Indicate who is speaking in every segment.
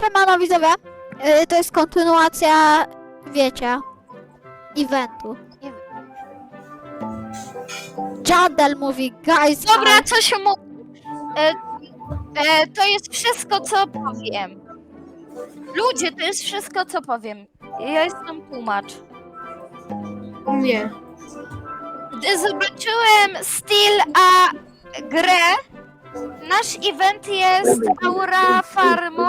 Speaker 1: siemano widzowie. To jest kontynuacja, wiecie, eventu. Jandel mówi, guys.
Speaker 2: Dobra, co się mówi? To jest wszystko, co powiem. Ludzie, to jest wszystko, co powiem. Ja jestem tłumacz.
Speaker 3: Nie.
Speaker 2: Gdy zobaczyłem styl a grę, nasz event jest Aura Farmą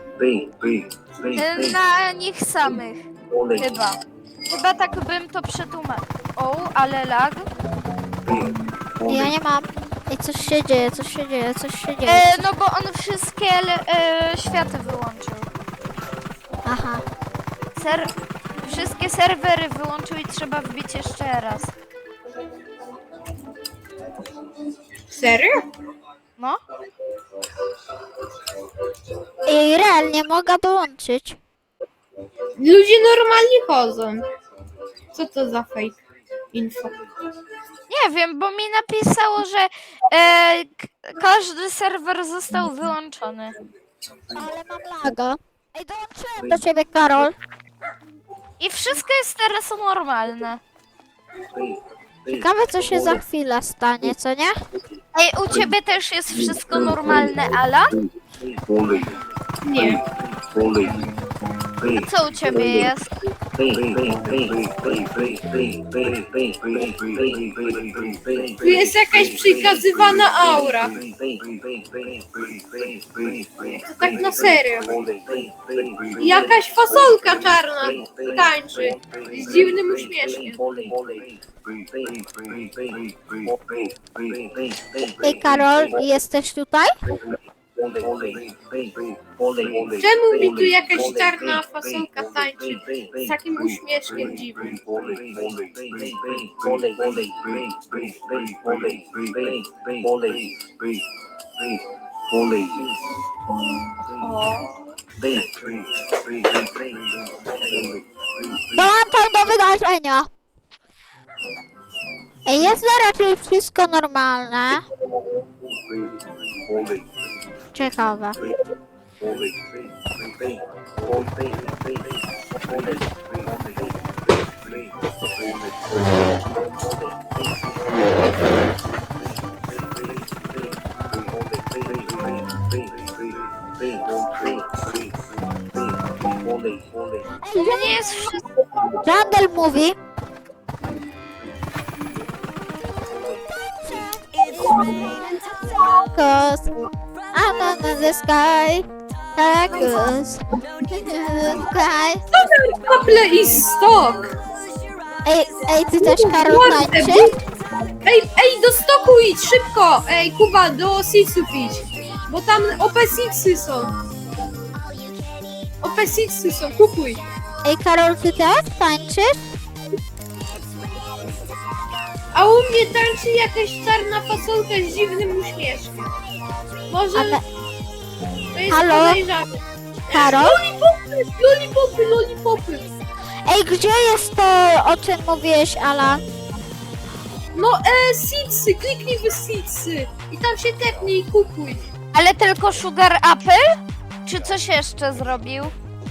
Speaker 2: na nich samych. Chyba tak bym to przetłumaczył. O, ale lag.
Speaker 1: Ja nie mam. I coś się dzieje, coś się dzieje.
Speaker 2: No bo on wszystkie światy wyłączył.
Speaker 1: Aha.
Speaker 2: Wszystkie serwery wyłączył i trzeba wbić jeszcze raz.
Speaker 3: Serio?
Speaker 2: No.
Speaker 1: I realnie mogę dołączyć.
Speaker 3: Ludzie normalnie chodzą. Co to za fake info?
Speaker 2: Nie wiem, bo mi napisało, że każdy serwer został wyłączony.
Speaker 1: Ale mam laga. Ej, dołączyłem do ciebie, Karol.
Speaker 2: I wszystko jest teraz normalne.
Speaker 1: Ciekawe, co się za chwilę stanie, co nie?
Speaker 2: Ej, u ciebie też jest wszystko normalne, Ala?
Speaker 3: Nie.
Speaker 2: A co u ciebie jest?
Speaker 3: Tu jest jakaś przekazywana aura. To tak na serio. Jakaś fasolka czarna tańczy z dziwnym uśmieszkiem.
Speaker 1: Ej, Karol, jesteś tutaj?
Speaker 3: Czemu mi tu jakaś czarna fasolka tańczy z takim uśmieszkiem dziwnym?
Speaker 1: Dołączam do wydarzenia. Ej, jest raczej wszystko normalne. Ciekawe. Ej,
Speaker 2: To nie jest wszystko.
Speaker 1: Jandel mówi. Cause I'm under the sky. Cause the sky.
Speaker 3: Apple i stok!
Speaker 1: Ej, ty też, Karol, tańczy?
Speaker 3: Ej, do stoku idź, szybko! Ej, Kuba, do Sitsów idź. Bo tam OP6 są. OP6 są, kupuj.
Speaker 1: Ej, Karol, ty też tańczysz?
Speaker 3: A u mnie tańczy jakaś czarna fasolka z dziwnym uśmieszkiem. Może
Speaker 1: Ale...
Speaker 3: to jest
Speaker 1: Halo?
Speaker 3: podejrzane.
Speaker 1: Karol?
Speaker 3: Lollipopy.
Speaker 1: Ej, gdzie jest to, o czym mówiłeś, Alan?
Speaker 3: No, Sitsy, kliknij w Sitsy. I tam się tepnij i kupuj.
Speaker 2: Ale tylko Sugar Apple? Czy coś jeszcze zrobił?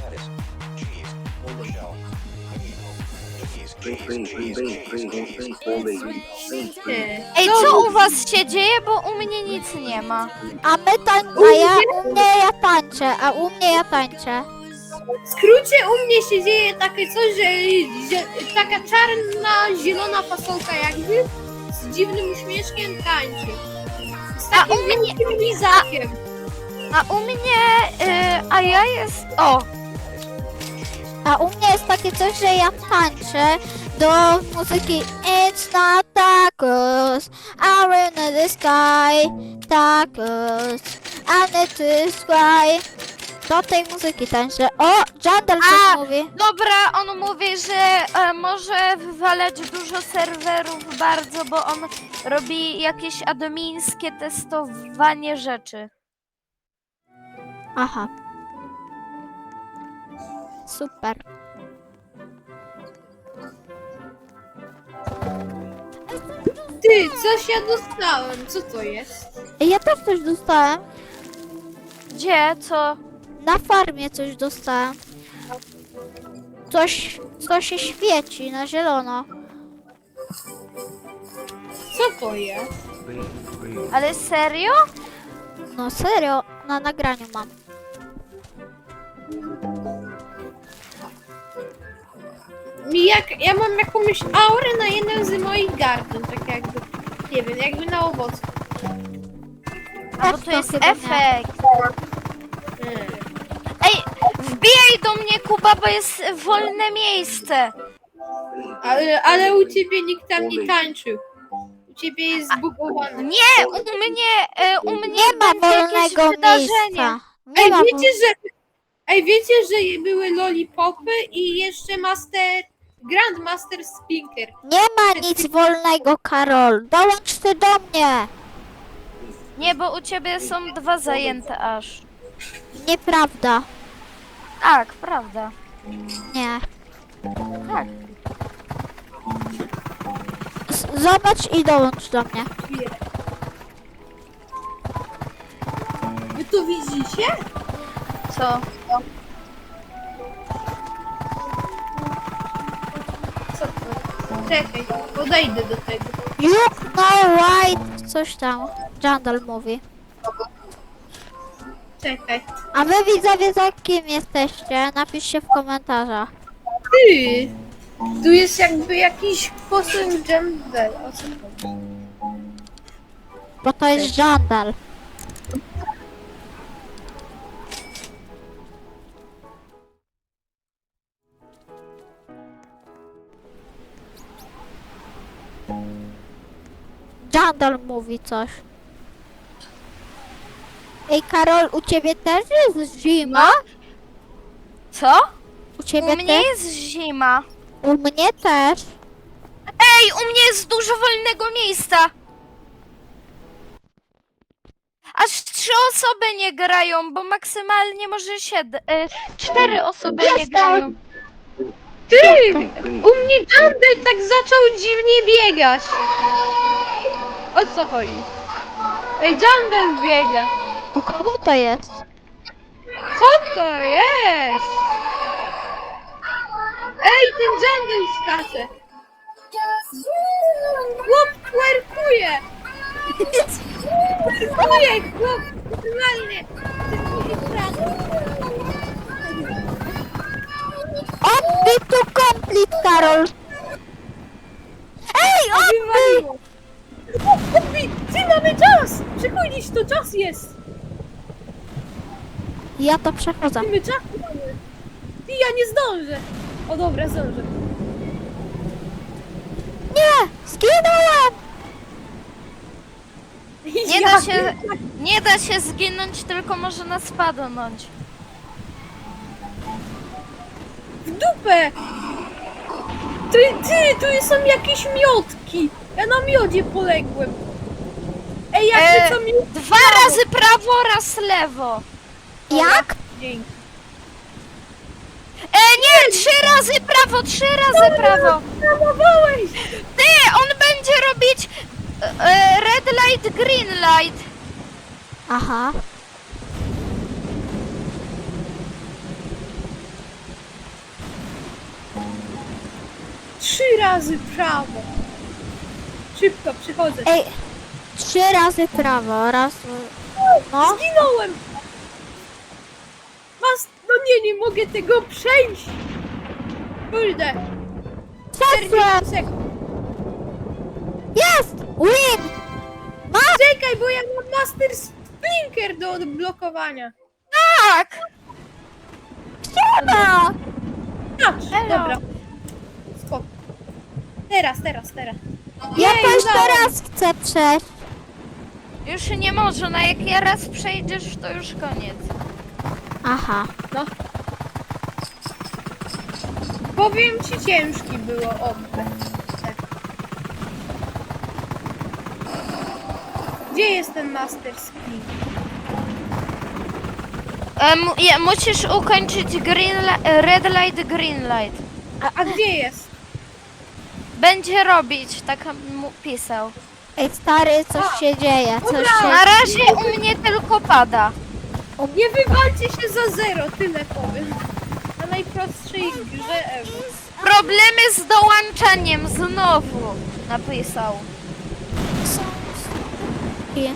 Speaker 2: Ej, co u was się dzieje? Bo u mnie nic nie ma.
Speaker 1: A my u mnie ja tańczę, a u mnie ja tańczę.
Speaker 3: W skrócie u mnie się dzieje takie coś, że taka czarna, zielona fasolka jakby z dziwnym uśmieszkiem tańczy. Z
Speaker 2: A
Speaker 3: takim
Speaker 2: u mnie-
Speaker 3: wielkim lizakiem.
Speaker 2: A u mnie, a ja jest... O!
Speaker 1: A u mnie jest takie coś, że ja tańczę do muzyki It's not tacos, I'm in the sky, tacos, I need to sky. Do tej muzyki tańczę. O, Jandel coś mówi.
Speaker 2: Dobra, on mówi, że może wywalać dużo serwerów bardzo, bo on robi jakieś admińskie testowanie rzeczy.
Speaker 1: Aha. Super.
Speaker 3: Ty, coś ja dostałem. Co to jest?
Speaker 1: Ja też coś dostałem.
Speaker 2: Gdzie? Co?
Speaker 1: Na farmie coś dostałem. Co się świeci na zielono.
Speaker 3: Co to jest?
Speaker 2: Ale serio?
Speaker 1: No serio, na nagraniu mam.
Speaker 3: Ja mam jakąś aurę na jednym z moich gardów, tak jakby, nie wiem, jakby na owocu.
Speaker 2: A bo to jest
Speaker 1: chyba nie.
Speaker 2: efekt. Ej, wbijaj do mnie, Kuba, bo jest wolne miejsce.
Speaker 3: Ale u ciebie nikt tam nie tańczył. U ciebie jest zbugowane.
Speaker 2: Nie, u mnie
Speaker 1: Nie ma
Speaker 2: będzie jakieś
Speaker 1: wolnego
Speaker 2: wydarzenie.
Speaker 1: miejsca. Nie ma
Speaker 3: Wiecie, że były lollipopy i jeszcze Grandmaster Spinker.
Speaker 1: Nie ma nic wolnego, Karol. Dołącz ty do mnie.
Speaker 2: Nie, bo u ciebie są 2 zajęte aż.
Speaker 1: Nieprawda.
Speaker 2: Tak, prawda.
Speaker 1: Nie.
Speaker 2: Tak.
Speaker 1: Zobacz i dołącz do mnie.
Speaker 3: Wy to widzicie?
Speaker 2: Co?
Speaker 3: Co to? Czekaj, podejdę do tego.
Speaker 1: You know white. Coś tam. Jandal mówi.
Speaker 3: Czekaj.
Speaker 1: A wy widzowie za kim jesteście? Napiszcie w komentarzach.
Speaker 3: Ty! Tu jest jakby jakiś posąg Jambel. O co chodzi?
Speaker 1: Bo to jest Jandal. Jandal mówi coś. Ej Karol, u ciebie też jest zima?
Speaker 2: Co?
Speaker 1: U ciebie
Speaker 2: U mnie
Speaker 1: też?
Speaker 2: jest zima.
Speaker 1: U mnie też.
Speaker 2: Ej, u mnie jest dużo wolnego miejsca. Aż 3 osoby nie grają, bo maksymalnie może 4 osoby nie grają.
Speaker 3: Ty! U mnie Jambel tak zaczął dziwnie biegać. O co chodzi? Ej, Jambel biega.
Speaker 1: U kogo to jest?
Speaker 3: Co to jest? Ej, ten Jambel skacze. Chłop twerkuje. Twerkuje, chłop. Normalnie.
Speaker 1: Odbij tu komplet, Karol! Ej, odbij!
Speaker 3: Odbij! Ty, mamy czas! Przychodzisz, to czas jest!
Speaker 1: Ja to przechodzę.
Speaker 3: Mamy czas! Ty, ja nie zdążę! O dobra, zdążę.
Speaker 1: Nie! Zginąłem!
Speaker 2: Nie da się zginąć, tylko można spadnąć.
Speaker 3: W dupę! Ty, tu są jakieś miotki! Ja na miodzie poległem. Ej, jak to miód...
Speaker 2: 2 razy prawo, raz lewo.
Speaker 1: Jak?
Speaker 3: Dzięki.
Speaker 2: Nie, 3 razy prawo, 3 razy prawo.
Speaker 3: Zamowałeś!
Speaker 2: Ty, on będzie robić red light, green light.
Speaker 1: Aha.
Speaker 3: Trzy razy prawo. Szybko, przychodzę.
Speaker 1: Ej, 3 razy prawo, raz... No.
Speaker 3: Zginąłem! No nie mogę tego przejść! Kurde!
Speaker 1: Przeszłem!
Speaker 3: 40 sekund.
Speaker 1: Jest! Win!
Speaker 3: Czekaj, bo ja mam Master Splinker do odblokowania.
Speaker 2: Tak.
Speaker 1: Siema!
Speaker 3: Patrz,
Speaker 2: Elo.
Speaker 3: dobra. Skok. Teraz.
Speaker 1: Ja
Speaker 3: Jej,
Speaker 1: to jeszcze
Speaker 3: udało.
Speaker 1: raz chcę przejść.
Speaker 2: Już nie można, jak ja raz przejdziesz, to już koniec.
Speaker 1: Aha.
Speaker 3: No. Powiem ci, ciężki było obce. Tak. Gdzie jest ten Master Splinker?
Speaker 2: Musisz ukończyć red light, green light.
Speaker 3: A gdzie jest?
Speaker 2: Będzie robić, tak mu pisał.
Speaker 1: Ej, stary, coś się dzieje, coś się...
Speaker 2: Na razie u mnie tylko pada.
Speaker 3: Nie wywalcie się za 0, tyle powiem. Na najprostszej grze ever.
Speaker 2: Problemy z dołączaniem znowu napisał.
Speaker 1: I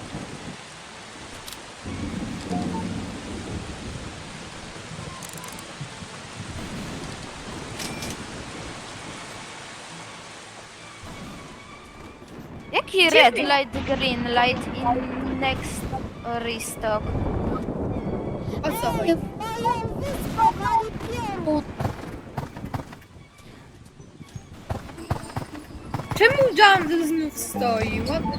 Speaker 2: Jaki red light, green light in next restock?
Speaker 3: O co chodzi? Czemu Jungle znów stoi?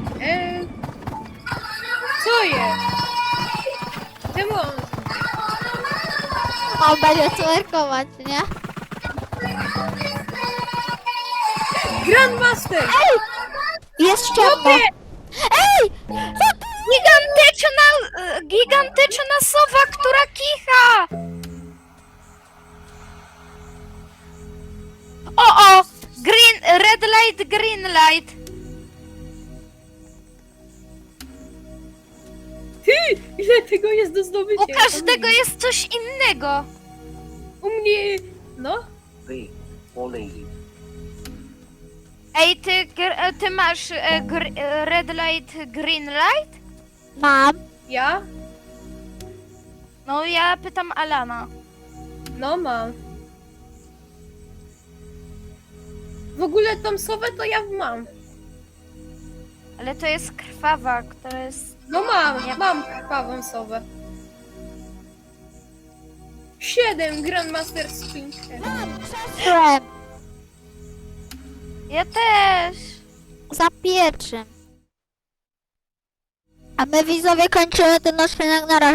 Speaker 3: Co jest? Czemu on...
Speaker 1: on będzie twerkować, nie?
Speaker 3: Grandmaster!
Speaker 1: Jest ciemno.
Speaker 3: Chłopie!
Speaker 1: Ej!
Speaker 2: Gigantyczna sowa, która kicha! O! Red light, green light.
Speaker 3: Ty! Ile tego jest do zdobycia?
Speaker 2: U każdego jest coś innego.
Speaker 3: U mnie... No?
Speaker 4: B or leave.
Speaker 2: Ej, ty masz red light, green light?
Speaker 1: Mam.
Speaker 3: Ja?
Speaker 2: No ja pytam Alana.
Speaker 3: No mam. W ogóle tą sowę to ja mam.
Speaker 2: Ale to jest krwawa, która jest...
Speaker 3: No mam krwawą sowę. 7 Grandmaster Spinker.
Speaker 1: Krem.
Speaker 2: Ja też.
Speaker 1: Za pierwszym. A my widzowie kończymy ten odcinek na razie.